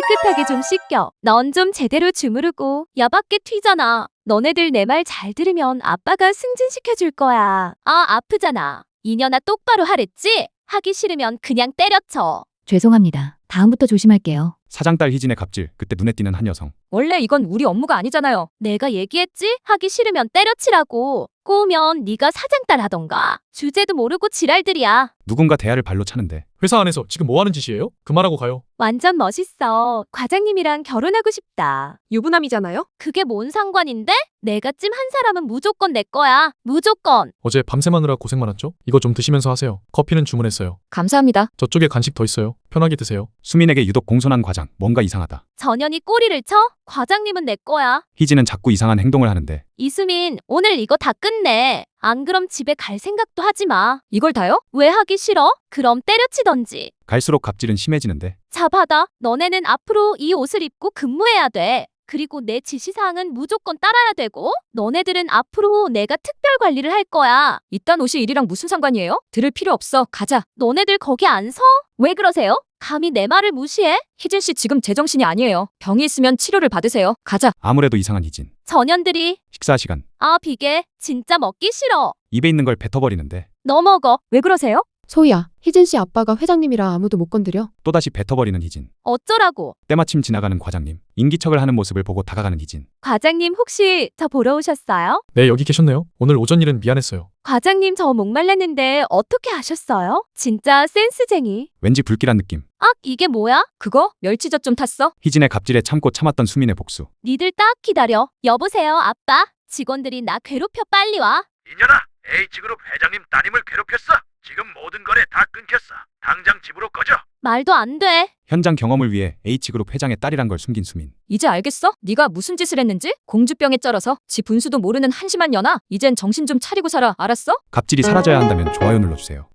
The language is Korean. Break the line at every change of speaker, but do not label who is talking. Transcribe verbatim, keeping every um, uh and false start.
깨끗하게 좀 씻겨. 넌 좀 제대로 주무르고 야밖에 튀잖아. 너네들 내 말 잘 들으면 아빠가 승진시켜줄 거야. 아, 아프잖아. 이년아 똑바로 하랬지? 하기 싫으면 그냥 때려쳐.
죄송합니다. 다음부터 조심할게요.
사장딸 희진의 갑질, 그때 눈에 띄는 한 여성.
원래 이건 우리 업무가 아니잖아요.
내가 얘기했지? 하기 싫으면 때려치라고. 꼬우면 네가 사장딸 하던가. 주제도 모르고 지랄들이야.
누군가 대화를 발로 차는데
회사 안에서 지금 뭐 하는 짓이에요? 그만하고 가요.
완전 멋있어. 과장님이랑 결혼하고 싶다.
유부남이잖아요?
그게 뭔 상관인데? 내가 찜 한 사람은 무조건 내 거야. 무조건.
어제 밤새 마느라 고생 많았죠? 이거 좀 드시면서 하세요. 커피는 주문했어요.
감사합니다.
저쪽에 간식 더 있어요. 편하게 드세요.
수민에게 유독 공손한 과장, 뭔가 이상하다.
전현이 꼬리를 쳐? 과장님은 내 거야.
희진은 자꾸 이상한 행동을 하는데
이수민, 오늘 이거 다 끝내. 안 그럼 집에 갈 생각도 하지 마.
이걸 다요?
왜 하기 싫어? 그럼 때려치던지.
갈수록 갑질은 심해지는데
자, 받아. 너네는 앞으로 이 옷을 입고 근무해야 돼. 그리고 내 지시사항은 무조건 따라야 되고, 너네들은 앞으로 내가 특별 관리를 할 거야.
이딴 옷이 일이랑 무슨 상관이에요? 들을 필요 없어. 가자.
너네들 거기 안 서? 왜 그러세요? 감히 내 말을 무시해?
희진 씨 지금 제정신이 아니에요. 병이 있으면 치료를 받으세요. 가자.
아무래도 이상한 희진.
전현들이.
식사 시간.
아, 비계. 진짜 먹기 싫어.
입에 있는 걸 뱉어버리는데
너 먹어.
왜 그러세요?
소희야, 희진 씨 아빠가 회장님이라 아무도 못 건드려.
또다시 뱉어버리는 희진.
어쩌라고.
때마침 지나가는 과장님. 인기척을 하는 모습을 보고 다가가는 희진.
과장님 혹시 저 보러 오셨어요?
네, 여기 계셨네요. 오늘 오전 일은 미안했어요.
과장님 저 목말랐는데 어떻게 아셨어요? 진짜 센스쟁이.
왠지 불길한 느낌.
악, 이게 뭐야?
그거? 멸치젓 좀 탔어?
희진의 갑질에 참고 참았던 수민의 복수.
니들 딱 기다려. 여보세요, 아빠. 직원들이 나 괴롭혀. 빨리 와.
이년아, H그룹 회장님 따님을 괴롭혔어. 지금 모든 거래 다 끊겼어. 당장 집으로 꺼져.
말도 안 돼.
현장 경험을 위해 H그룹 회장의 딸이란 걸 숨긴 수민.
이제 알겠어? 네가 무슨 짓을 했는지? 공주병에 쩔어서 지 분수도 모르는 한심한 년아. 이젠 정신 좀 차리고 살아. 알았어?
갑질이 사라져야 한다면 좋아요 눌러주세요.